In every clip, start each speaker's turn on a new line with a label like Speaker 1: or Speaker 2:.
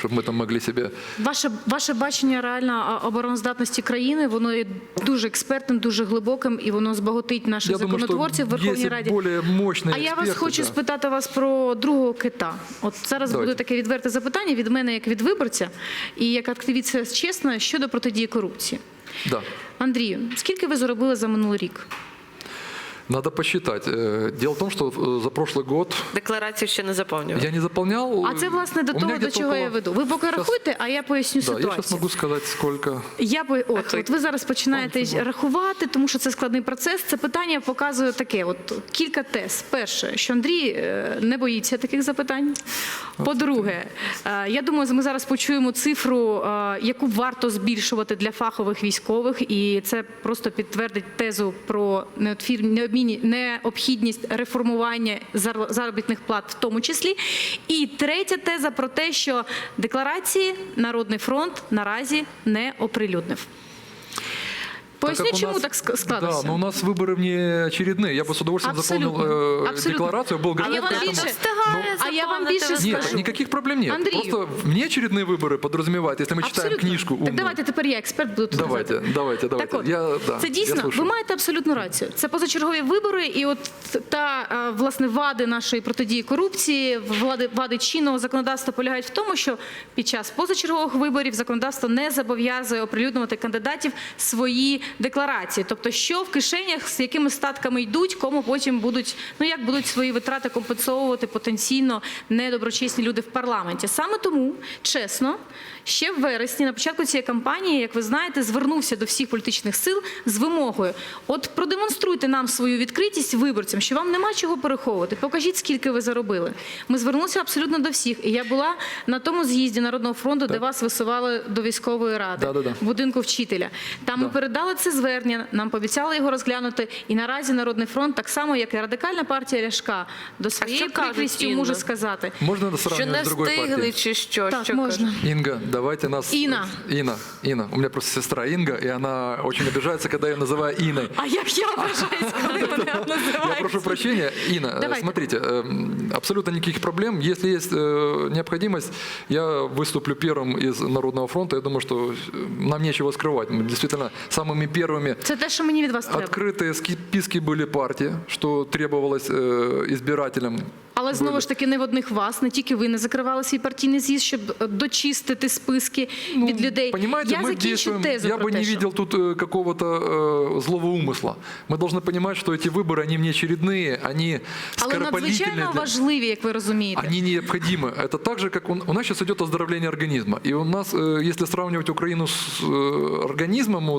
Speaker 1: чтобы мы там могли себе...
Speaker 2: Ваше бачення реально обороноздатності країни, воно є дуже експертним, дуже глибоким, і воно збагатить наших законотворців в Верховній Раді. А я вас хочу спитати вас про другого кита. От зараз буде таке відверте запитання від мене, як від виборця, і як активіста чесна, щодо протидії корупції.
Speaker 1: Да.
Speaker 2: Андрію, скільки ви заробили за минулий рік?
Speaker 1: Надо посчитать. Дело в том, что за прошлый год...
Speaker 3: Декларацію ще не заповнював.
Speaker 1: Я не заполнял.
Speaker 2: А це, власне, до того, до чого я веду. Ви поки рахуйте, а я поясню ситуацію.
Speaker 1: Я зараз можу сказати, скільки...
Speaker 2: От ви зараз починаєте рахувати, тому що це складний процес. Це питання показує таке, от кілька тез. Перше, що Андрій не боїться таких запитань. По-друге, я думаю, ми зараз почуємо цифру, яку варто збільшувати для фахових військових, і це просто підтвердить тезу про необхідність реформування заробітних плат в тому числі. І третя теза про те, що декларації Народний фронт наразі не оприлюднив. Поясню, чему так складывается.
Speaker 1: Да, но у нас выборы внеочередные. Я бы с удовольствием заполнил декларацию. Был готов к этому.
Speaker 2: А я вам больше скажу.
Speaker 1: Нет, никаких проблем нет.
Speaker 2: Андрію.
Speaker 1: Просто внеочередные выборы подразумевают, если мы читаем книжку умную.
Speaker 2: Так давайте тепер я експерт буду тут
Speaker 1: Давайте.
Speaker 2: Так от, це дійсно, ви маєте абсолютну рацію. Це позачергові вибори, і от власне, вади нашої протидії корупції, вади чинного законодавства полягають в тому, що під час позачергових виборів законодавство не зобов'язує оприлюднювати кандидатів свої декларації. Тобто, що в кишенях, з якими статками йдуть, кому потім будуть, як будуть свої витрати компенсовувати потенційно недоброчесні люди в парламенті. Саме тому, чесно, ще в вересні, на початку цієї кампанії, як ви знаєте, звернувся до всіх політичних сил з вимогою: от продемонструйте нам свою відкритість виборцям, що вам нема чого переховувати, покажіть, скільки ви заробили. Ми звернулися абсолютно до всіх. І я була на тому з'їзді Народного фронту, де вас висували до військової ради, в будинку вчителя. Там ми передали це звернення, нам пообіцяли його розглянути. І наразі Народний фронт, так само, як і Радикальна партія Ляшка, до своєї прикрістю може сказати.
Speaker 1: Можна
Speaker 3: що не встигли, чи що?
Speaker 2: Так, можна.
Speaker 1: Инга, давайте нас...
Speaker 2: Инна.
Speaker 1: Инна. У меня просто сестра Инга, и она очень обижается, когда я называю Инной.
Speaker 2: А як я ображаюсь, коли мене називають?
Speaker 1: Я прошу прощения. Инна, смотрите, абсолютно никаких проблем. Если есть необходимость, я выступлю первым из Народного фронта. Я думаю, что нам нечего скрывать. Мы действительно самыми первыми...
Speaker 2: Це те, що мені від вас треба.
Speaker 1: Открытые списки были партии, что требовалось избирателям.
Speaker 2: Але знову ж таки не в одних вас, не тільки ви не закривали свій партійний з'їзд, щоб дочистити списки від людей.
Speaker 1: Понимаете, мы действуем, я бы не видел тут какого-то злого умысла. Мы должны понимать, что эти выборы, они внеочередные, они скоропалительные.
Speaker 2: Але надзвичайно важливі, як ви розумієте.
Speaker 1: Они необходимы. Это так же, как у нас сейчас идет оздоровление организма. И у нас, если сравнивать Украину с организмом,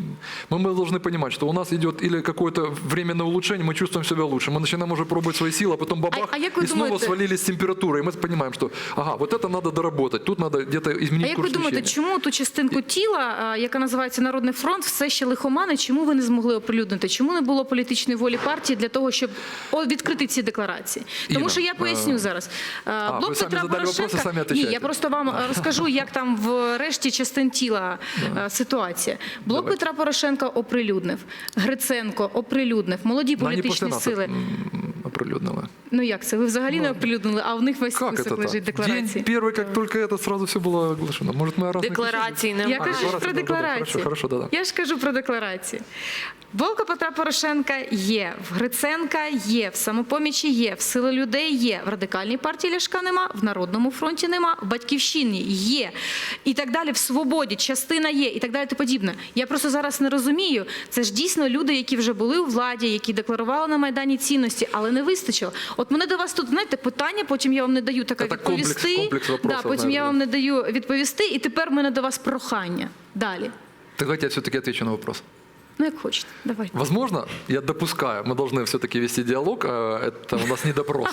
Speaker 1: мы должны понимать, что у нас идет или какое-то временное улучшение, мы чувствуем себя лучше. Мы начинаем уже пробовать свои силы, а потом бабах, и снова свалились температуры. И мы понимаем, что вот это надо доработать, тут надо где-то изменить курс лечения.
Speaker 2: А як ви думаєте, чому ту частинку тіла, яка називається Народний фронт, все ще лихомани, чому ви не змогли оприлюднити? Чому не було політичної волі партії для того, щоб відкрити ці декларації? Тому що я поясню зараз.
Speaker 1: Блок Петра Порошенка...
Speaker 2: Ні, я просто вам розкажу, як там в решті частин тіла ситуація. Блок Петра Порошенка оприлюднив, Гриценко оприлюднив, молоді політичні сили.
Speaker 1: Оприлюднили.
Speaker 2: Ну як це? Ви взагалі не оприлюднили, а в них весь список лежить декларації.
Speaker 1: День первый, как только это, сразу все было оглашено. Может, мы раз
Speaker 3: декларації немає.
Speaker 2: Я кажу про декларації.
Speaker 1: Хорошо, да.
Speaker 2: Я ж кажу про декларації. Блоку Петра Порошенка є, в Гриценка є, в Самопомічі є, в Сили людей є, в Радикальній партії Ляшка нема, в Народному фронті нема, в Батьківщині є. І так далі, в Свободі частина є, і так далі, і подібне. Я просто зараз не розумію, це ж дійсно люди, які вже були у владі, які декларували на Майдані цінності, але не вистачило. От мене до вас тут, знаєте, питання, потім я вам не даю таке відповісти. Потім я вам не даю відповісти, і тепер в мене до вас прохання. Далі.
Speaker 1: Давайте я все-таки отвечу на вопрос.
Speaker 2: Ну, як хочете, давайте.
Speaker 1: Возможно, я допускаю, мы должны все-таки вести диалог, это у нас не допрос.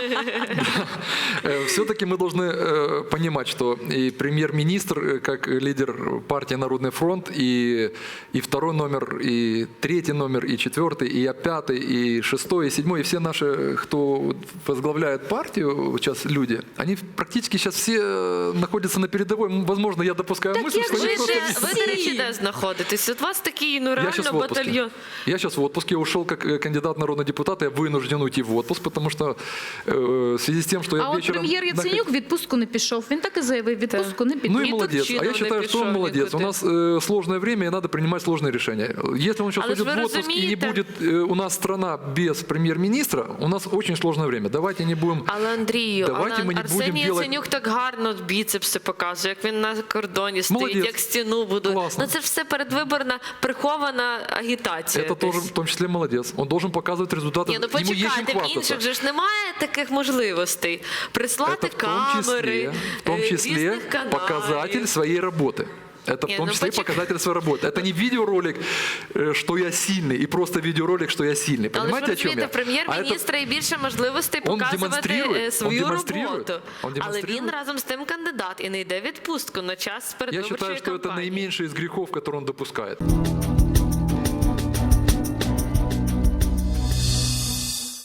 Speaker 1: Все-таки мы должны понимать, что и премьер-министр, как лидер партии «Народный фронт», и второй номер, и третий номер, и четвертый, и я пятый, и шестой, и седьмой, и все наши, кто возглавляет партию, сейчас люди, они практически сейчас все находятся на передовой. Возможно, я допускаю мысль, что они просто...
Speaker 3: Ви, до речі, де знаходитесь? От вас такий, реально
Speaker 1: сейчас в отпуске.
Speaker 3: батальйон.
Speaker 1: Я сейчас в отпуске, я ушел как кандидат в народный депутат, я вынужден уйти в отпуск, потому что в связи с тем, что я
Speaker 2: А от
Speaker 1: вечером...
Speaker 2: прем'єр Яценюк в відпустку не пішов. Він так і заявив, відпустку не піде.
Speaker 1: Ну и
Speaker 3: И
Speaker 1: молодец. А
Speaker 3: Турчинов
Speaker 1: я считаю, что он
Speaker 3: написал,
Speaker 1: молодец. У
Speaker 3: никуда.
Speaker 1: нас сложное время, и надо принимать сложные решения. Если он сейчас
Speaker 3: Але ж
Speaker 1: уйдет
Speaker 3: ви
Speaker 1: в отпуск, и не
Speaker 3: розумієте-
Speaker 1: будет у нас страна без премьер-министра, у нас очень сложное время. Давайте не будем...
Speaker 3: Але Андрію,
Speaker 1: Давайте ми не
Speaker 3: Арсеній
Speaker 1: будемо делать-
Speaker 3: Яценюк так гарно біцепси показує, як він на кордоні стоїть,
Speaker 1: Молодець.
Speaker 3: як стіну будує.
Speaker 1: Класно.
Speaker 3: Ну це ж все передвиборна прихована агітація.
Speaker 1: Это тоже
Speaker 3: десь.
Speaker 1: в том числе молодец. Он должен показывать результаты.
Speaker 3: Ні, ну
Speaker 1: Ему есть чем
Speaker 3: почекайте, в
Speaker 1: хвастаться.
Speaker 3: інших же ж немає таких можливостей. Прислати
Speaker 1: Это
Speaker 3: камери,
Speaker 1: в том числе
Speaker 3: різних каналів.
Speaker 1: показатель своей работы. Это
Speaker 3: Не,
Speaker 1: в том
Speaker 3: ну
Speaker 1: числе
Speaker 3: почек-
Speaker 1: показатель своей работы. Это не видеоролик, что я сильный, и просто видеоролик, что я сильный.
Speaker 3: Але ж
Speaker 1: Понимаете,
Speaker 3: ви
Speaker 1: о чем я?
Speaker 3: розумієте, прем'єр-міністра і більше можливостей
Speaker 1: Он
Speaker 3: показувати
Speaker 1: демонструє,
Speaker 3: свою
Speaker 1: он демонструє,
Speaker 3: роботу.
Speaker 1: он
Speaker 3: Але
Speaker 1: демонструє.
Speaker 3: він разом з тим кандидат і не йде в відпустку на час
Speaker 1: Я
Speaker 3: передвиборчої
Speaker 1: считаю, что это
Speaker 3: кампанії.
Speaker 1: наименьший из грехов, который он допускает.